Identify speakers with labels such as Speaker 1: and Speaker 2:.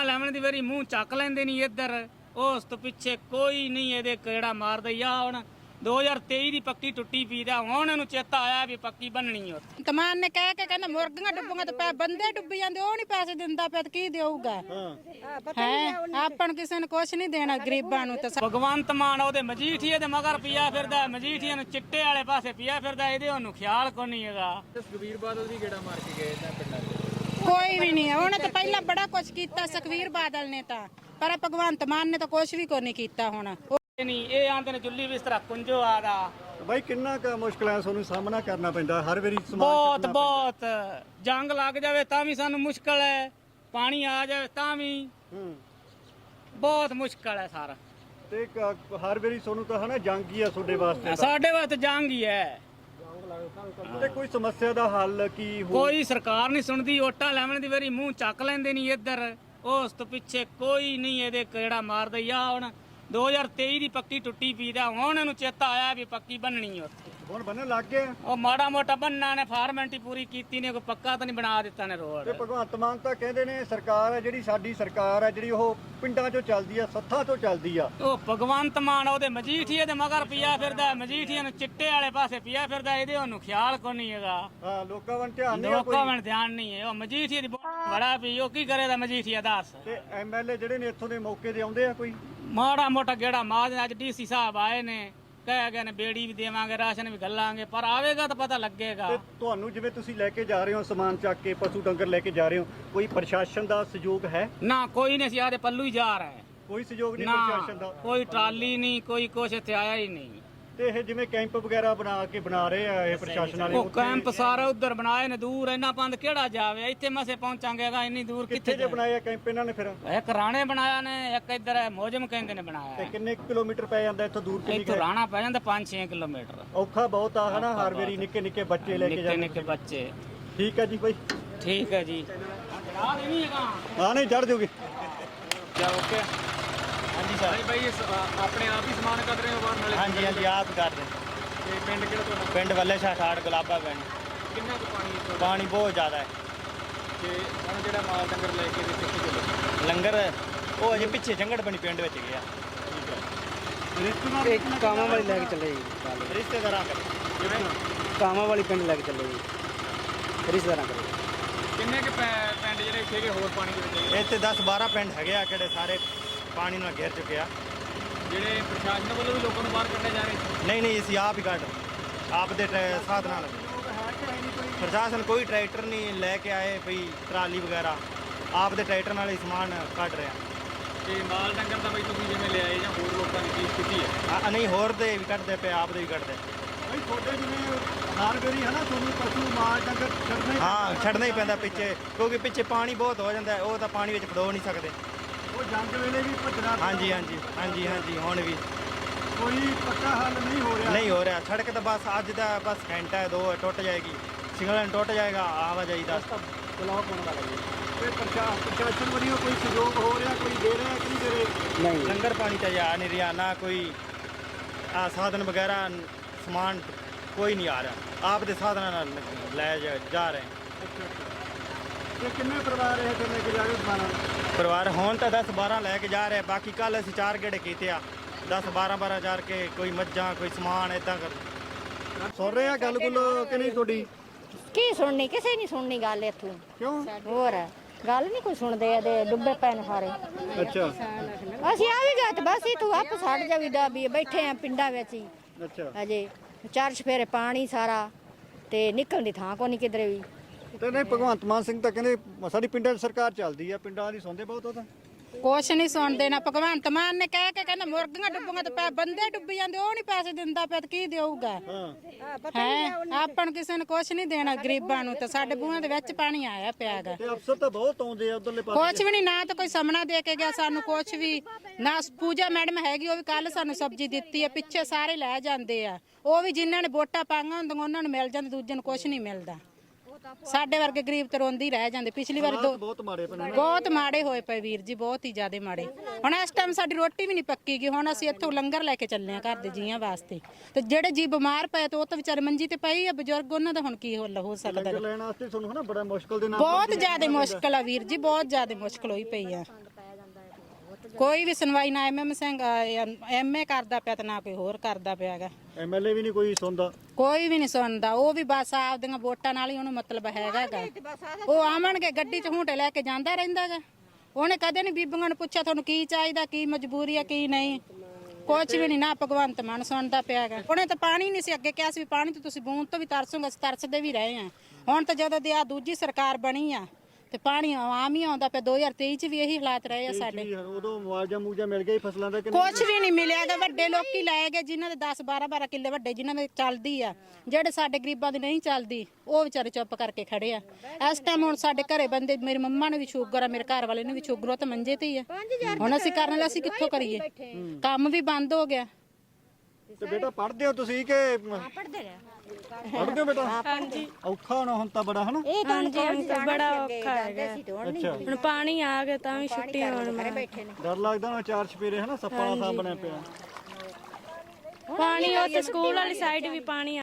Speaker 1: ਲੈਵਣ ਦੀ ਵਾਰੀ ਮੂੰਹ ਚੱਕ ਲੈਂਦੇ ਨਹੀਂ ਇੱਧਰ, ਉਸ ਤੋਂ ਪਿੱਛੇ ਕੋਈ ਨਹੀਂ ਇਹਦੇ ਕਿਹੜਾ ਮਾਰਦਾ। ਆ ਹੁਣ 2023 ਦੀ ਪੱਕੀ ਟੁੱਟੀ ਪਈ ਦਾ, ਹੁਣ ਇਹਨੂੰ ਚੇਤਾ ਆਇਆ ਵੀ ਪੱਕੀ ਬੰਨਣੀ ਆ।
Speaker 2: ਤਮਾਨ ਨੇ ਕਹਿ ਕੇ ਕਹਿੰਦਾ ਮੁਰਗੀਆਂ ਡੁੱਬੂਆਂ ਤੇ ਬੰਦੇ ਡੁੱਬੀ ਜਾਂਦੇ, ਉਹ ਨਹੀਂ ਪੈਸੇ ਦਿੰਦਾ ਪਿਆ, ਕੀ ਦੇਊਗਾ? ਆਪਾਂ ਨੂੰ ਕਿਸੇ ਨੇ ਕੁਛ ਨਹੀਂ ਦੇਣਾ ਗਰੀਬਾਂ ਨੂੰ। ਤੇ
Speaker 1: ਭਗਵੰਤ ਮਾਨ ਉਹਦੇ ਮਜੀਠੀਏ ਦੇ ਮਗਰ ਪਿਆ ਫਿਰਦਾ, ਮਜੀਠੀਏ ਨੂੰ ਚਿੱਟੇ ਵਾਲੇ ਪਾਸੇ ਪਿਆ ਫਿਰਦਾ, ਇਹਦੇ ਉਹਨੂੰ ਖਿਆਲ ਕੋ ਨਹੀਂ ਹੈਗਾ।
Speaker 3: ਸੁਖਬੀਰ ਬਾਦਲ ਵੀ ਗੇੜਾ ਮਾਰ ਕੇ ਗਏ ਇਹਨਾਂ ਪਿੰਡਾਂ 'ਚ,
Speaker 2: ਕੋਈ ਵੀ ਨਹੀਂ, ਉਹਨੇ ਤਾਂ ਪਹਿਲਾਂ ਬੜਾ ਕੁਛ ਕੀਤਾ ਸੁਖਬੀਰ ਬਾਦਲ ਨੇ ਤਾਂ, ਪਰ ਭਗਵੰਤ ਮਾਨ ਨੇ ਤਾਂ ਕੁਛ ਵੀ ਕੋਈ ਨਹੀਂ ਕੀਤਾ। ਹੁਣ
Speaker 1: ਨਹੀਂ ਇਹ ਆਂਦੇ ਨੇ ਜੁੱਲੀ ਬਿਸਤਰਾ ਕੁੰਜੋ ਆਦਾ।
Speaker 4: ਬਾਈ ਕਿੰਨਾ ਕੁ ਮੁਸ਼ਕਲਾਂ ਤੁਹਾਨੂੰ ਸਾਹਮਣਾ ਕਰਨਾ ਪੈਂਦਾ ਹਰ ਵਾਰੀ?
Speaker 1: ਬਹੁਤ ਬਹੁਤ ਜੰਗ ਲੱਗ ਜਾਵੇ ਤਾਂ ਵੀ ਸਾਨੂੰ ਮੁਸ਼ਕਲ ਹੈ, ਪਾਣੀ ਆ ਜਾਵੇ ਤਾਂ ਵੀ ਬਹੁਤ ਮੁਸ਼ਕਲ ਹੈ ਸਾਰਾ।
Speaker 4: ਤੇ ਹਰ ਵਾਰੀ ਤੁਹਾਨੂੰ ਤਾਂ ਹਨਾ ਜੰਗ ਹੀ ਆ ਤੁਹਾਡੇ ਵਾਸਤੇ ਤਾਂ।
Speaker 1: ਸਾਡੇ ਵਾਸਤੇ ਜੰਗ ਹੀ ਹੈ।
Speaker 4: ਤੇ ਕੋਈ ਸਮੱਸਿਆ ਦਾ ਹੱਲ ਕੀ ਹੋ?
Speaker 1: ਕੋਈ ਸਰਕਾਰ ਨਹੀਂ ਸੁਣਦੀ, ਓਟਾਂ ਲੈਵਣ ਦੀ ਵਾਰੀ ਮੂੰਹ ਚੱਕ ਲੈਂਦੇ ਨਹੀਂ ਇੱਧਰ, ਉਸ ਤੋਂ ਪਿੱਛੇ ਕੋਈ ਨਹੀਂ ਇਹਦੇ ਕਿਹੜਾ ਮਾਰਦਾ। ਆ ਹੁਣ 2023 ਦੀ ਪੱਕੀ ਟੁੱਟੀ ਪਈ ਦਾ, ਹੁਣ ਇਹਨੂੰ ਚੇਤਾ ਆਇਆ ਵੀ ਪੱਕੀ ਬੰਨਣੀ ਆ।
Speaker 4: ਹੁਣ ਬੰਨਣ ਲੱਗ ਗਏ?
Speaker 1: ਉਹ ਮਾੜਾ ਮੋਟਾ ਬੰਨਾ ਨੇ ਫਾਰਮੈਲਿਟੀ ਪੂਰੀ ਕੀਤੀ ਨੇ, ਕੋਈ ਪੱਕਾ ਤਾਂ ਨਹੀਂ ਬਣਾ ਦਿੱਤਾ ਨੇ ਰੋਡ।
Speaker 4: ਤੇ ਭਗਵੰਤ ਮਾਨ ਤਾਂ ਕਹਿੰਦੇ ਨੇ ਸਰਕਾਰ ਹੈ ਜਿਹੜੀ ਸਾਡੀ ਸਰਕਾਰ ਹੈ ਜਿਹੜੀ ਉਹ ਪਿੰਡਾਂ 'ਚੋਂ ਚੱਲਦੀ ਆ, ਸੱਥਾਂ 'ਚੋਂ ਚੱਲਦੀ ਆ।
Speaker 1: ਉਹ ਭਗਵੰਤ ਮਾਨ ਉਹਦੇ ਮਜੀਠੀਏ ਦੇ ਮਗਰ ਪਿਆ ਫਿਰਦਾ, ਮਜੀਠੀਏ ਨੂੰ ਚਿੱਟੇ ਵਾਲੇ ਪਾਸੇ ਪਿਆ ਫਿਰਦਾ, ਇਹਦੇ ਉਹਨੂੰ ਖਿਆਲ ਕੋ ਨਹੀਂ ਹੈਗਾ।
Speaker 4: ਹਾਂ ਲੋਕਾਂ ਵੱਲ ਧਿਆਨ ਨਹੀਂ ਆ
Speaker 1: ਲੋਕਾਂ
Speaker 4: ਕੋਈ।
Speaker 1: ਵੱਲ ਧਿਆਨ ਨਹੀਂ ਹੈ। ਉਹ ਮਜੀਠੀਏ ਦੀ ਬੜਾ ਵੀ ਉਹ ਕੀ ਕਰੇਗਾ ਮਜੀਠੀਆ ਦੱਸ।
Speaker 4: ਤੇ ਐਮਐਲਏ ਜਿਹੜੇ ਨੇ ਇੱਥੋਂ ਦੇ ਮੌਕੇ ਦੇ ਆਉਂਦੇ ਆ ਕੋਈ?
Speaker 1: ਮਾੜਾ ਮੋਟਾ ਗੇੜਾ ਮਾਰ। ਅੱਜ ਡੀਸੀ ਸਾਹਿਬ ਆਏ ਨੇ, ਕਹਿ ਗਏ ਨੇ ਬੇੜੀ ਵੀ ਦੇਵਾਂਗੇ, ਰਾਸ਼ਨ ਵੀ ਗੱਲਾਂਗੇ, ਪਰ ਆਵੇਗਾ ਤਾਂ ਪਤਾ ਲੱਗੇਗਾ।
Speaker 4: ਤੇ ਤੁਹਾਨੂੰ ਜਿਵੇਂ ਤੁਸੀਂ ਲੈ ਕੇ ਜਾ ਰਹੇ ਹੋ ਸਮਾਨ ਚੱਕ ਕੇ, ਪਸ਼ੂ ਡੰਗਰ ਲੈ ਕੇ ਜਾ ਰਹੇ ਹੋ, ਕੋਈ ਪ੍ਰਸ਼ਾਸਨ ਦਾ ਸਹਿਯੋਗ ਹੈ?
Speaker 1: ਨਾ ਕੋਈ ਨਹੀਂ, ਅਸੀਂ ਆਦੇ ਪੱਲੂ ਹੀ ਜਾ ਰਹੇ।
Speaker 4: ਕੋਈ ਸਹਿਯੋਗ ਨਹੀਂ
Speaker 1: ਨਾ
Speaker 4: ਪ੍ਰਸ਼ਾਸਨ ਦਾ?
Speaker 1: ਕੋਈ ਟਰਾਲੀ ਨਹੀਂ, ਕੋਈ ਕੁਛ ਇੱਥੇ ਆਇਆ ਹੀ ਨਹੀਂ।
Speaker 4: ਤੇ ਇਹ ਜਿਵੇਂ ਕੈਂਪ ਵਗੈਰਾ ਬਣਾ ਰਹੇ ਆ ਇਹ ਪ੍ਰਸ਼ਾਸਨ ਵਾਲੇ,
Speaker 1: ਉਹ ਕੈਂਪ ਸਾਰਾ ਉਧਰ ਬਣਾਏ ਨੇ, ਦੂਰ ਇੰਨਾ ਪੰਦ ਕਿਹੜਾ ਜਾਵੇ, ਇੱਥੇ ਮਸੇ ਪਹੁੰਚਾਂਗੇਗਾ, ਇੰਨੀ ਦੂਰ
Speaker 4: ਕਿੱਥੇ
Speaker 1: ਕਿੱਥੇ
Speaker 4: ਜੇ ਬਣਾਏ ਆ ਕੈਂਪ ਇਹਨਾਂ ਨੇ ਫਿਰ?
Speaker 1: ਇੱਕ ਰਾਣੇ ਬਣਾਇਆ ਨੇ, ਇੱਕ ਇੱਧਰ ਮੋਜਮ ਕਹਿੰਦੇ ਨੇ ਬਣਾਇਆ।
Speaker 4: ਤੇ ਕਿੰਨੇ ਕਿਲੋਮੀਟਰ ਪੈ ਜਾਂਦਾ ਇੱਥੋਂ ਦੂਰ? ਕਿੰਨੀ
Speaker 1: ਇੱਥੋਂ ਰਾਣਾ ਪੈ ਜਾਂਦਾ 5-6 ਕਿਲੋਮੀਟਰ।
Speaker 4: ਔਖਾ ਬਹੁਤ ਆ ਹਨਾ, ਹਰ ਵਾਰੀ ਨਿੱਕੇ ਨਿੱਕੇ ਬੱਚੇ ਲੈ ਕੇ
Speaker 1: ਨਿੱਕੇ
Speaker 4: ਜਾਂਦੇ।
Speaker 1: ਨਿੱਕੇ ਬੱਚੇ।
Speaker 4: ਠੀਕ ਹੈ ਜੀ ਬਾਈ,
Speaker 1: ਠੀਕ ਹੈ ਜੀ। ਆ ਨਹੀਂ ਹੈਗਾ।
Speaker 4: ਹਾਂ ਨਹੀਂ ਚੜ ਜੂਗੀ।
Speaker 3: ਚਲ ਓਕੇ। ਹਾਂਜੀ ਸਰ। ਭਾਈ ਆਪਣੇ ਆਪ ਹੀ ਸਮਾਨ ਕੱਢ ਰਹੇ ਹੋ ਬਾਹਰ ਨਾਲੇ?
Speaker 5: ਹਾਂਜੀ ਹਾਂਜੀ ਆਪ ਕਰ ਰਹੇ।
Speaker 3: ਤੇ ਪਿੰਡ ਕਿਹੜਾ ਤੁਹਾਡਾ?
Speaker 5: ਪਿੰਡ ਵੱਲੇ ਸ਼ਾਹ ਠਾੜ ਗੁਲਾਬਾ ਪਿੰਡ।
Speaker 3: ਕਿੰਨਾ ਕੁ ਪਾਣੀ ਇੱਥੋਂ?
Speaker 5: ਪਾਣੀ ਬਹੁਤ ਜ਼ਿਆਦਾ ਹੈ।
Speaker 3: ਤੇ ਹੁਣ ਜਿਹੜਾ ਮਾਲ ਡੰਗਰ ਲੈ ਕੇ ਕਿੱਥੇ ਚੱਲੇ?
Speaker 5: ਲੰਗਰ ਉਹ ਅਜੇ ਪਿੱਛੇ ਜੰਗੜ ਬਣੀ ਪਿੰਡ ਵਿੱਚ ਗਿਆ।
Speaker 4: ਰਿਸ਼ਤੇਦਾਰ
Speaker 6: ਕਾਮਾਂ ਵਾਲੀ ਲੈ ਕੇ ਚੱਲੇ ਜੀ,
Speaker 5: ਰਿਸ਼ਤੇਦਾਰਾਂ ਕਰ
Speaker 3: ਜਿਵੇਂ
Speaker 6: ਕਾਮਾਂ ਵਾਲੀ ਪਿੰਡ ਲੈ ਕੇ ਚੱਲੇ ਜੀ, ਰਿਸ਼ਤੇਦਾਰਾਂ ਕਰੇ।
Speaker 3: ਕਿੰਨੇ ਕੁ ਪਿੰਡ ਜਿਹੜੇ ਇੱਥੇ ਕੇ ਹੋਰ ਪਾਣੀ ਦੇ ਵਿੱਚ
Speaker 5: ਇੱਥੇ 10-12 ਪਿੰਡ ਹੈਗੇ ਆ ਕਿਹੜੇ ਸਾਰੇ ਪਾਣੀ ਨਾਲ ਘਿਰ ਚੁੱਕੇ ਆ।
Speaker 3: ਜਿਹੜੇ ਪ੍ਰਸ਼ਾਸਨ ਵੱਲੋਂ ਵੀ ਲੋਕਾਂ ਨੂੰ ਬਾਹਰ ਕੱਢਿਆ ਜਾ ਰਿਹਾ?
Speaker 5: ਨਹੀਂ ਅਸੀਂ ਆਪ ਹੀ ਕੱਢ ਆਪ ਦੇ ਸਾਧਨਾਂ ਨਾਲ। ਪ੍ਰਸ਼ਾਸਨ ਕੋਈ ਟਰੈਕਟਰ ਨਹੀਂ ਲੈ ਕੇ ਆਏ ਭਈ ਟਰਾਲੀ ਵਗੈਰਾ, ਆਪ ਦੇ ਟਰੈਕਟਰ ਨਾਲ ਹੀ ਸਮਾਨ ਕੱਢ ਰਿਹਾ।
Speaker 3: ਤੇ ਮਾਲ ਡੰਗਰ ਦਾ ਬਈ ਤੁਸੀਂ ਜਿਵੇਂ ਲਿਆਏ ਜਾਂ ਹੋਰ ਲੋਕਾਂ ਦੀ ਚੀਜ਼ ਕੀਤੀ ਹੈ?
Speaker 5: ਨਹੀਂ ਹੋਰ ਦੇ ਵੀ ਕੱਢਦੇ ਪਏ, ਆਪ ਦੇ ਵੀ ਕੱਢਦੇ।
Speaker 4: ਬਾਈ ਤੁਹਾਡੇ ਜਿਵੇਂ ਹਰ ਵਾਰੀ ਹਨਾ ਤੁਹਾਨੂੰ ਪਸ਼ੂ ਮਾਲ ਡੰਗਰ ਛੱਡਣੇ?
Speaker 5: ਹਾਂ ਛੱਡਣਾ ਹੀ ਪੈਂਦਾ ਪਿੱਛੇ, ਕਿਉਂਕਿ ਪਿੱਛੇ ਪਾਣੀ ਬਹੁਤ ਹੋ ਜਾਂਦਾ, ਉਹ ਤਾਂ ਪਾਣੀ ਵਿੱਚ ਫੜੋ ਨਹੀਂ ਸਕਦੇ।
Speaker 4: ਉਹ ਜੰਗ ਵੇਲੇ ਵੀ ਭੱਜਣਾ?
Speaker 5: ਹਾਂਜੀ ਹਾਂਜੀ ਹਾਂਜੀ ਹਾਂਜੀ ਹੁਣ ਵੀ
Speaker 4: ਕੋਈ ਪੱਕਾ ਹੱਲ ਨਹੀਂ ਹੋ ਰਿਹਾ?
Speaker 5: ਨਹੀਂ ਹੋ ਰਿਹਾ। ਸੜਕ ਤਾਂ ਬਸ ਅੱਜ ਦਾ ਬਸ ਘੰਟਾ ਹੈ 2 ਟੁੱਟ ਜਾਏਗੀ, ਸਿਗਨਲ ਟੁੱਟ ਜਾਏਗਾ, ਆਵਾਜਾਈ ਦਾ
Speaker 4: ਬਲੌਕ ਹੋਣ ਵਾਲਾ ਜੀ। ਤੇ ਪ੍ਰਸ਼ਾਸਨ ਵੱਲੋਂ ਕੋਈ ਸਹਿਯੋਗ ਹੋ ਰਿਹਾ, ਕੋਈ ਦੇ ਰਿਹਾ ਕਿ ਨਹੀਂ ਦੇ ਰਹੇ?
Speaker 6: ਨਹੀਂ
Speaker 5: ਲੰਗਰ ਪਾਣੀ ਤਾਂ ਜਾ ਨਹੀਂ ਰਿਹਾ, ਨਾ ਕੋਈ ਸਾਧਨ ਵਗੈਰਾ ਸਮਾਨ ਕੋਈ ਨਹੀਂ ਆ ਰਿਹਾ, ਆਪ ਦੇ ਸਾਧਨਾਂ ਨਾਲ ਲੈ ਜਾ ਰਹੇ।
Speaker 4: ਤੇ ਕਿੰਨੇ ਪਰਿਵਾਰ ਇਹ ਤੇ ਲੈ ਕੇ ਜਾ ਰਹੇ ਸਮਾਨ?
Speaker 5: ਪਰਿਵਾਰ ਹੁਣ ਤਾਂ 10-12 ਲੈ ਕੇ ਜਾ ਰਹੇ, ਬਾਕੀ ਕੱਲ ਅਸੀਂ 4 ਗੇੜੇ ਕੀਤੇ ਆ, 10-12 ਜਾ ਕੇ ਕੋਈ ਮੱਝਾਂ ਕੋਈ ਸਮਾਨ ਇਦਾਂ ਕਰ।
Speaker 4: ਸੁਣ ਰਹੇ ਆ ਗੱਲ ਗੁੱਲ ਕਿ ਨਹੀਂ ਤੁਹਾਡੀ?
Speaker 7: ਕੀ ਸੁਣਨੀ, ਕਿਸੇ ਨਹੀਂ ਸੁਣਨੀ ਗੱਲ ਇੱਥੋਂ।
Speaker 4: ਕਿਉਂ?
Speaker 7: ਹੋਰ ਗੱਲ ਨਹੀਂ ਕੋਈ ਸੁਣਦੇ, ਇਹਦੇ ਡੁੱਬੇ ਪੈ ਨੇ ਸਾਰੇ।
Speaker 4: ਅੱਛਾ
Speaker 7: ਅਸੀਂ ਆ ਵੀ ਗਏ ਤੇ ਬਸ ਇਹ ਤੂੰ ਆਪ ਛੱਡ ਜਾਵੀ ਦਾ ਵੀ ਬੈਠੇ ਆ ਪਿੰਡਾਂ ਵਿੱਚ ਹੀ
Speaker 4: ਅੱਛਾ।
Speaker 7: ਅਜੇ 4 ਚਫੇਰੇ ਪਾਣੀ ਸਾਰਾ, ਤੇ ਨਿਕਲਣ ਦੀ ਥਾਂ ਕੋਈ ਨਹੀਂ ਕਿਧਰੇ ਵੀ।
Speaker 4: ਤੇ ਨਹੀਂ ਭਗਵੰਤ ਮਾਨ ਸਿੰਘ ਤਾਂ ਕਹਿੰਦੇ ਸਾਡੀ ਪਿੰਡਾਂ 'ਚ ਸਰਕਾਰ ਚੱਲਦੀ ਆ, ਪਿੰਡਾਂ ਦੀ ਸੁਣਦੇ ਬਹੁਤ ਉਹ ਤਾਂ।
Speaker 2: ਕੁਛ ਨਹੀਂ ਸੁਣਦੇ ਨਾ। ਭਗਵੰਤ ਮਾਨ ਨੇ ਕਹਿ ਕੇ ਕਹਿੰਦਾ ਮੁਰਗੀਆਂ ਡੁੱਬੂਆਂ ਤੇ ਬੰਦੇ ਡੁੱਬੀ ਜਾਂਦੇ, ਉਹ ਨਹੀਂ ਪੈਸੇ ਦਿੰਦਾ ਪਿਆ, ਕੀ ਦੇਊਗਾ? ਹੈ ਆਪਾਂ ਨੂੰ ਕਿਸੇ ਨੇ ਕੁਛ ਨਹੀਂ ਦੇਣਾ ਗਰੀਬਾਂ ਨੂੰ, ਤੇ ਸਾਡੇ ਬੂਹਾਂ ਦੇ ਵਿੱਚ ਪਾਣੀ ਆਇਆ ਪਿਆਗਾ।
Speaker 4: ਤੇ ਅਫਸਰ ਤਾਂ ਬਹੁਤ ਆਉਂਦੇ ਆ ਉਧਰਲੇ ਪਾਸੇ।
Speaker 2: ਕੁਛ ਵੀ ਨਹੀਂ, ਨਾ ਤਾਂ ਕੋਈ ਸਾਹਮਣਾ ਦੇ ਕੇ ਗਿਆ ਸਾਨੂੰ ਕੁਛ ਵੀ ਨਾ। ਪੂਜਾ ਮੈਡਮ ਹੈਗੀ, ਉਹ ਵੀ ਕੱਲ ਸਾਨੂੰ ਸਬਜ਼ੀ ਦਿੱਤੀ ਹੈ, ਪਿੱਛੇ ਸਾਰੇ ਲੈ ਜਾਂਦੇ ਆ, ਉਹ ਵੀ ਜਿਨ੍ਹਾਂ ਨੇ ਵੋਟਾਂ ਪਾਈਆਂ ਹੁੰਦੀਆਂ ਉਹਨਾਂ ਨੂੰ ਮਿਲ ਜਾਂਦੇ, ਦੂਜੇ ਨੂੰ ਕੁਛ ਨਹੀਂ ਮਿਲਦਾ। ਸਾਡੇ ਵਰਗੇ ਗਰੀਬ ਤੇ ਰੋਂਦੇ ਹੀ ਰਹਿ ਜਾਂਦੇ। ਪਿਛਲੀ ਵਾਰ
Speaker 4: ਬਹੁਤ ਮਾੜੇ ਪਏ ਨੇ।
Speaker 2: ਬਹੁਤ ਮਾੜੇ ਹੋਏ ਪਏ ਵੀਰ ਜੀ, ਬਹੁਤ ਹੀ ਜ਼ਿਆਦਾ ਮਾੜੇ। ਹੁਣ ਇਸ ਟਾਈਮ ਸਾਡੀ ਰੋਟੀ ਵੀ ਨਹੀਂ ਪੱਕੀ ਗਈ, ਹੁਣ ਅਸੀਂ ਇੱਥੋਂ ਲੰਗਰ ਲੈ ਕੇ ਚੱਲੇ ਆ ਘਰ ਦੇ ਜੀਆਂ ਵਾਸਤੇ। ਤੇ ਜਿਹੜੇ ਜੀ ਬਿਮਾਰ ਪਏ ਤੇ ਉਹ ਤਾਂ ਵਿਚਾਰੇ ਮੰਜੀ ਤੇ ਪਏ ਆ ਬਜ਼ੁਰਗ, ਉਹਨਾਂ ਦਾ ਹੁਣ ਕੀ ਹੋ ਸਕਦਾ?
Speaker 4: ਲੰਗਰ ਲੈਣ ਵਾਸਤੇ ਤੁਹਾਨੂੰ ਹਨਾ ਬੜਾ ਮੁਸ਼ਕਲ ਦੇ ਨਾਲ
Speaker 2: ਬਹੁਤ ਜ਼ਿਆਦਾ ਮੁਸ਼ਕਲ ਆ ਵੀਰ ਜੀ, ਬਹੁਤ ਜ਼ਿਆਦਾ ਮੁਸ਼ਕਲ ਹੋਈ ਪਈ ਆ। ਕੋਈ ਵੀ ਸੁਣਵਾਈ ਨਾ ਐਮਐਮ ਸਿੰਘ ਐਮਏ ਕਰਦਾ ਪਿਆ ਤੇ ਨਾ ਕੋਈ ਹੋਰ ਕਰਦਾ ਪਿਆਗਾ।
Speaker 4: ਐਮਐਲਏ ਵੀ ਨਹੀਂ ਕੋਈ ਸੁਣਦਾ।
Speaker 2: ਕੋਈ ਵੀ ਨਹੀਂ ਸੁਣਦਾ। ਉਹ ਵੀ ਬਸ ਆਪਦੀਆਂ ਵੋਟਾਂ ਨਾਲ ਹੀ ਉਹਨੂੰ ਮਤਲਬ ਹੈਗਾਗਾ। ਉਹ ਆਵਣਗੇ ਗੱਡੀ 'ਚ ਹੁੰਟੇ ਲੈ ਕੇ ਜਾਂਦਾ ਰਹਿੰਦਾਗਾ। ਉਹਨੇ ਕਦੇ ਨਹੀਂ ਬੀਬੀਆਂ ਨੂੰ ਪੁੱਛਿਆ ਤੁਹਾਨੂੰ ਕੀ ਚਾਹੀਦਾ, ਕੀ ਮਜਬੂਰੀ ਆ, ਕੀ ਨਹੀਂ। ਕੁਛ ਵੀ ਨਹੀਂ। ਨਾ ਭਗਵੰਤ ਮਾਨ ਸੁਣਦਾ ਪਿਆਗਾ। ਉਹਨੇ ਤਾਂ ਪਾਣੀ ਨਹੀਂ ਸੀ ਅੱਗੇ ਕਿਹਾ ਸੀ ਵੀ ਪਾਣੀ ਤੇ ਤੁਸੀਂ ਬੂੰਦ ਤੋਂ ਵੀ ਤਰਸੋਗੇ, ਅਸੀਂ ਤਰਸਦੇ ਵੀ ਰਹੇ ਆ। ਹੁਣ ਤਾਂ ਜਦੋਂ ਦੀ ਆ ਦੂਜੀ ਸਰਕਾਰ ਬਣੀ ਆ ਤੇ ਪਾਣੀ ਆਮ ਹੀ ਆਉਂਦਾ ਪਿਆ। 2023 ਚ ਵੀ ਇਹੀ ਹਾਲਾਤ ਰਹੇ ਆ ਸਾਡੇ।
Speaker 4: ਉਦੋਂ ਮੁਆਵਜ਼ਾ ਮੂਜਾ ਮਿਲ ਗਿਆ ਹੀ ਫਸਲਾਂ ਦਾ ਕਿ
Speaker 2: ਕੁਛ ਵੀ ਨਹੀਂ ਮਿਲਿਆਗਾ। ਵੱਡੇ ਲੋਕੀ ਲੈ ਗਏ ਜਿਨ੍ਹਾਂ ਦੇ 10-12 ਕਿੱਲੇ ਵੱਡੇ ਜਿਨ੍ਹਾਂ ਦੇ ਚੱਲਦੀ ਆ। ਜਿਹੜੇ ਸਾਡੇ ਗਰੀਬਾਂ ਦੀ ਨਹੀਂ ਚੱਲਦੀ ਉਹ ਵਿਚਾਰੇ ਚੁੱਪ ਕਰਕੇ ਖੜੇ ਆ। ਇਸ ਟਾਈਮ ਹੁਣ ਸਾਡੇ ਘਰੇ ਬੰਦੇ, ਮੇਰੀ ਮੰਮਾ ਨੂੰ ਵੀ ਸ਼ੂਗਰ ਆ, ਮੇਰੇ ਘਰ ਵਾਲੇ ਨੂੰ ਵੀ ਸ਼ੂਗਰ ਆ, ਤਾਂ ਮੰਜੇ ਤੇ ਹੀ ਆ। ਹੁਣ ਅਸੀਂ ਕਰਨ ਲਈ ਅਸੀਂ ਕਿੱਥੋਂ ਕਰੀਏ? ਕੰਮ ਵੀ ਬੰਦ ਹੋ ਗਿਆ।
Speaker 4: ਤੇ ਬੇਟਾ ਪੜ੍ਹਦੇ ਹੋ ਤੁਸੀਂ ਕਿ
Speaker 7: ਪੜਦੇ ਰਿਹਾ
Speaker 4: ਪੜ੍ਹਦੇ ਹੋ ਬੇਟਾ? ਹਾਂਜੀ। ਔਖਾ ਹੋਣਾ ਹੁਣ ਤਾਂ ਬੜਾ ਹਨਾ।
Speaker 7: ਇਹ ਤਾਂ ਬੜਾ ਔਖਾ ਹੈਗਾ।
Speaker 8: ਹੁਣ ਪਾਣੀ ਆ ਗਿਆ ਤਾਂ ਵੀ ਛੁੱਟੀਆਂ ਹੋਣ।
Speaker 4: ਡਰ ਲੱਗਦਾ ਨਾ ਚਾਰ ਚਪੇਰੇ ਹਨਾ, ਸੱਪਾਂ ਦਾ ਥਾਂ ਬਣਿਆ ਪਿਆ।
Speaker 8: ਪਾਣੀ ਉੱਥੇ ਸਕੂਲ ਵਾਲੀ ਸਾਈਡ ਵੀ ਪਾਣੀ